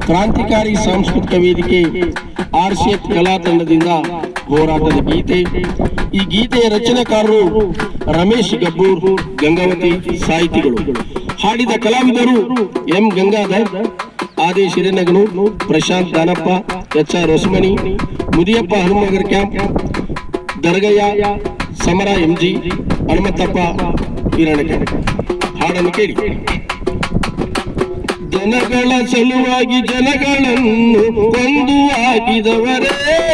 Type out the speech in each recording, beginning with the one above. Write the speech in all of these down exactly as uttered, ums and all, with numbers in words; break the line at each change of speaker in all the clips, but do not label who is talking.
ಕ್ರಾಂತಿಕಾರಿ ಸಾಂಸ್ಕೃತಿಕ ವೇದಿಕೆ ಆರ್ಸಿಎಫ್ ಕಲಾ ತಂಡದಿಂದ ಹೋರಾಟದ ಗೀತೆ. ಈ ಗೀತೆಯ ರಚನೆಕಾರರು ರಮೇಶ್ ಗಬ್ಬೂರ್, ಗಂಗಾವತಿ. ಸಾಹಿತಿಗಳು ಹಾಡಿದ ಕಲಾವಿದರು M Gangadhar, Adesh Hirenaganur, Prashant Danappa, H R Hosamani, Mudiyappa Hanumanagar camp, Dargayya, ಸಮರ ಎಂಜಿ, ಹನುಮಂತಪ್ಪ ಹಿರಣಕೆ. ಹಾಡನ್ನು ಕೇಳಿ. ಜನಗಳ ಸಲುವಾಗಿ ಜನಗಳನ್ನು ಕೊಂದು ಹಾಕಿದವರೇ,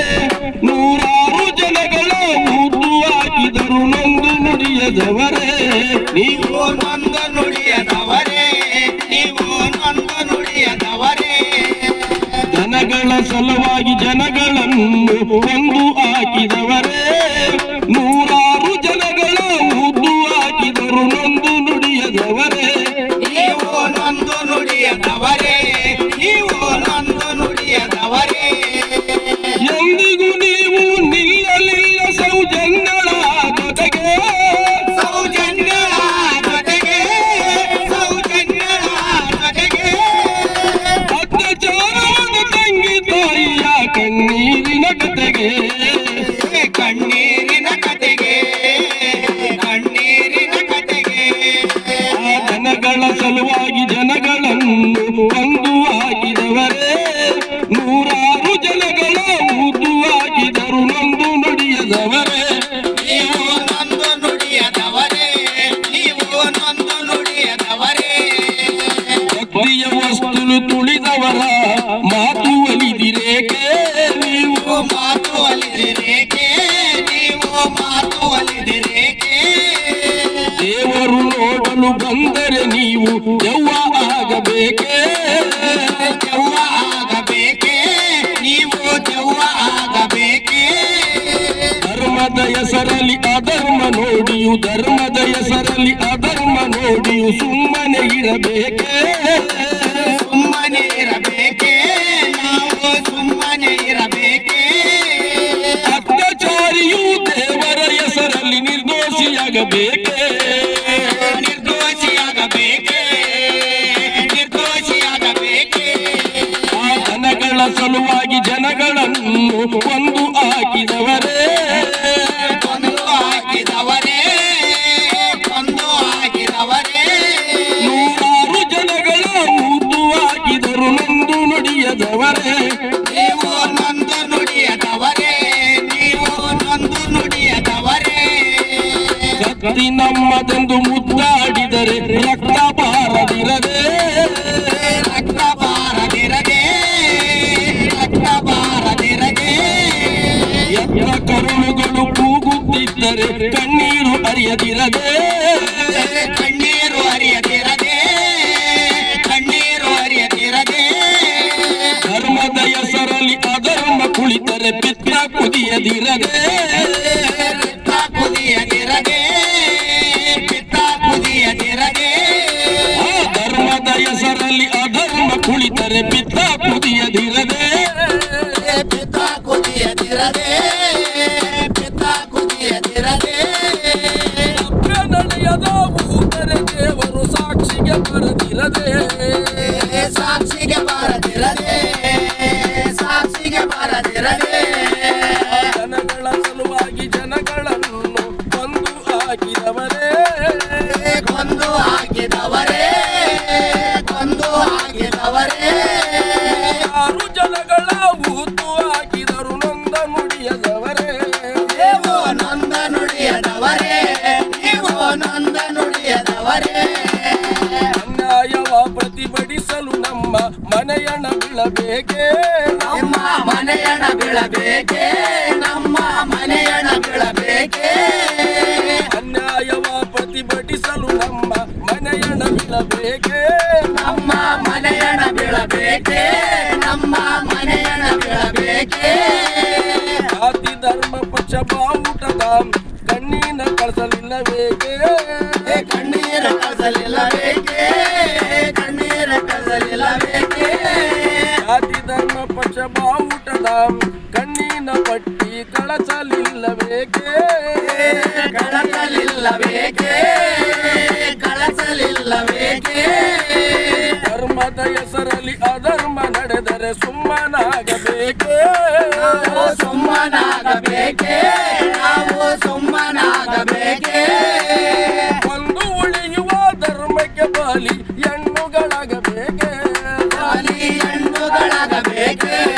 ನೂರಾರು ಜನಗಳ ಮುದ್ದು ಹಾಕಿದರು ನೊಂದು ನುಡಿಯದವರೇ.
ನೀವು ನೊಂದು ನುಡಿಯದವರೇ, ನೀವು ನೊಂದು ನುಡಿಯದವರೇ.
ಜನಗಳ ಸಲುವಾಗಿ ಜನಗಳನ್ನು ಕೊಂದು ಹಾಕಿದವರೇ, ನೂರಾರು ಜನಗಳ ಮುದ್ದು ಹಾಕಿದರು ನೊಂದು ನುಡಿಯದವರೇ.
ನೀವು ನೊಂದು ನುಡಿಯದವರೇ, ನೀವು ನೊಂದು ನುಡಿಯದವರೇ.
ಎಂದಿಗೂ ನೀವು ನಿಲ್ಲಲಿಲ್ಲ ಸೌಜನ್ಯಗಳ ಜೊತೆಗೆ,
ಸೌಜನ್ಯಗಳ ಜೊತೆಗೆ, ಸೌಜನ್ಯಗಳ ಜೊತೆಗೆ.
ಅತ್ಯಾಚಾರದ ತಂಗಿ ತಾಯಿಯ ಕಣ್ಣೀರಿನ ಕತೆಗೆ,
ಕಣ್ಣೀರಿನ ಕತೆಗೆ, ಕಣ್ಣೀರಿನ ಕತೆಗೆ.
ಆ ಜನಗಳ ಸಲುವಾಗಿ ಜನಗಳನ್ನು ಕೊಂದು ಹಾಕಿದವರೇ, ನೂರಾರು ಜನಗಳ ಮುದ್ದು ಹಾಕಿದರು ನೊಂದು ನುಡಿಯದವರೇ.
ನೀವು ನೊಂದು ನುಡಿಯದವರೇ, ನೀವು ನೊಂದು ನುಡಿಯದವರೇ.
ಭಕ್ತಿಯ ವಸ್ತುಲು ತುಳಿದವರ ಮಾತು ಒಲಿದಿರೇಕೆ, ನೀವು
ಮಾತು ಒಲಿದಿರೇಕೆ, ನೀವು ಮಾತು ಒಲಿದಿರೇಕೆ.
ದೇವರು ನೋಡಲು ಬಂದರೆ ನೀವು ದೆವ್ವ ಆಗಬೇಕೆ,
ದೆವ್ವ ಆಗಬೇಕೆ, ನೀವು ದೆವ್ವ ಆಗಬೇಕೆ.
ಧರ್ಮದ ಹೆಸರಲ್ಲಿ ಅಧರ್ಮ ನೋಡಿಯು, ಧರ್ಮದ ಹೆಸರಲ್ಲಿ ಅಧರ್ಮ ನೋಡಿಯು ಸುಮ್ಮನೆ ಇರಬೇಕೆ,
ಸುಮ್ಮನೆ ಇರಬೇಕೆ, ನಾವು ಸುಮ್ಮನೆ ಇರಬೇಕೆ.
ಅತ್ಯಾಚಾರಿಯು ದೇವರ ಹೆಸರಲ್ಲಿ ನಿರ್ದೋಷಿಯಾಗಬೇಕೆ,
ನಿರ್ದೋಷಿಯಾಗಬೇಕೆ, ನಿರ್ದೋಷಿಯಾಗಬೇಕೆ.
ಆ ಜನಗಳ ಸಲುವಾಗಿ ಜನಗಳನ್ನು ಕೊಂದು ಹಾಕಿದವರೇ,
ಕೊಂದು ಹಾಕಿದವರೇ, ಕೊಂದು ಹಾಕಿದವರೇ.
ನೂರಾರು ಜನಗಳ ಮುದ್ದು ಹಾಕಿದರು ನೊಂದು ನುಡಿಯದವರೇ.
ನೀವು ನೊಂದು ನುಡಿಯದವರೇ, ನೀವು ನೊಂದು ನುಡಿಯದವರೇ.
ಕತ್ತಿ ನಮ್ಮದೆಂದು ಮುದ್ದಾಡಿದರೆ ರಕ್ತ ಬಾರದಿರದೆ,
ರಕ್ತ ಬಾರದಿರದೆ, ರಕ್ತ ಬಾರದಿರದೆ.
ಎತ್ತ ಕರುಳುಗಳು ಕೂಗುತ್ತಿದ್ದರೆ ಕಣ್ಣೀರು ಹರಿಯದಿರದೆ,
ಕಣ್ಣೀರು ಹರಿಯದಿರದೆ, ಕಣ್ಣೀರು ಹರಿಯದಿರದೆ.
ಧರ್ಮದ ಹೆಸರಲ್ಲಿ ಅಧರ್ಮ ಕುಳಿತರೆ ಪಿತ್ತ ಕುದಿಯದಿರದೆ,
ಪಿತ್ತ ಕುದಿಯದಿರದೆ, ಪಿತ್ತ ಕುದಿಯದಿರದೆ.
ಆ ಧರ್ಮದ ಹೆಸರಲ್ಲಿ ಅಧರ್ಮ ಕುಳಿತರೆ ಪಿತ್ತ ಕುದಿಯದಿರದೆ,
ಪಿತ್ತ ಕುದಿಯದಿರದೆ, ಪಿತ್ತ ಕುದಿಯದಿರದೆ.
ನಡೆಯದ ಊದರೆ ದೇವರು ಸಾಕ್ಷಿಗೆ ಬರದಿರದೆ,
ಸಾಕ್ಷಿಗೆ ಬಾರದಿರದೆ, ಸಾಕ್ಷಿಗೆ ಬಾರದಿರದೆ.
ಜನಗಳ ಸಲುವಾಗಿ ಜನಗಳನ್ನು ಕೊಂದು ಹಾಕಿದವರೇ,
ಕೊಂದು ಹಾಕಿದವರೇ, ಕೊಂದು ಹಾಕಿದವರೇ.
ಯಾರು ಜನಗಳ ಊತು ಹಾಕಿದರು ನೊಂದ ನುಡಿಯದವರೇ,
ನೀವು ನೊಂದ ನುಡಿಯದವರೇ, ನೀವು ನೊಂದ ನುಡಿಯದವರೇ.
ಅನ್ಯಾಯವ ಪ್ರತಿಭಟಿಸಲು ನಮ್ಮ ಮನೆಯಣ ಬೀಳಬೇಕೆ,
ನಮ್ಮ ಮನೆಯಣ ಬೀಳಬೇಕೆ, ನಮ್ಮ ಮನೆಯಣ ಬೀಳಬೇಕೆ.
ಅನ್ಯಾಯವ ಪ್ರತಿಭಟಿಸಲು ನಮ್ಮ ಮನೆಯಣ ಬೀಳಬೇಕೆ,
ನಮ್ಮ ಮನೆಯಣ ಬೀಳಬೇಕೆ, ನಮ್ಮ ಮನೆಯಣ ಬೀಳಬೇಕೆ.
ಜಾತಿ ಧರ್ಮ ಪಕ್ಷ ಬಾವುಟದ ಕಣ್ಣಿನ ಕಳಿಸಲಿಲ್ಲಬೇಕೆ,
ಕಣ್ಣೀರ ಕಳಿಸಲಿಲ್ಲಬೇಕೆ, ಕಣ್ಣೀರ ಕಳಿಸಲಿಲ್ಲಬೇಕೆ.
ಜಾತಿ ಧರ್ಮ ಪಕ್ಷ ಬಾವುಟದ ಕಣ್ಣಿನ ಪಟ್ಟಿ ಕಳಸಲಿಲ್ಲಬೇಕೆ,
ಕಳಸಲಿಲ್ಲಬೇಕೆ, ಕಳಸಲಿಲ್ಲಬೇಕೆ.
ಧರ್ಮದ ಹೆಸರಲ್ಲಿ ಅಧರ್ಮ ನಡೆದರೆ ಸುಮ್ಮನಾಗಬೇಕೇ
ನಾವು ಸುಮ್ಮನಾಗಬೇಕೇ ನಾವು ಸುಮ್ಮನಾಗಬೇಕೇ
ಒಂದು ಉಳಿಯುವ ಧರ್ಮಕ್ಕೆ ಬಲಿ ಹೆಣ್ಣುಗಳಾಗಬೇಕೇ
ಬಲಿ ಹೆಣ್ಣುಗಳಾಗಬೇಕೇ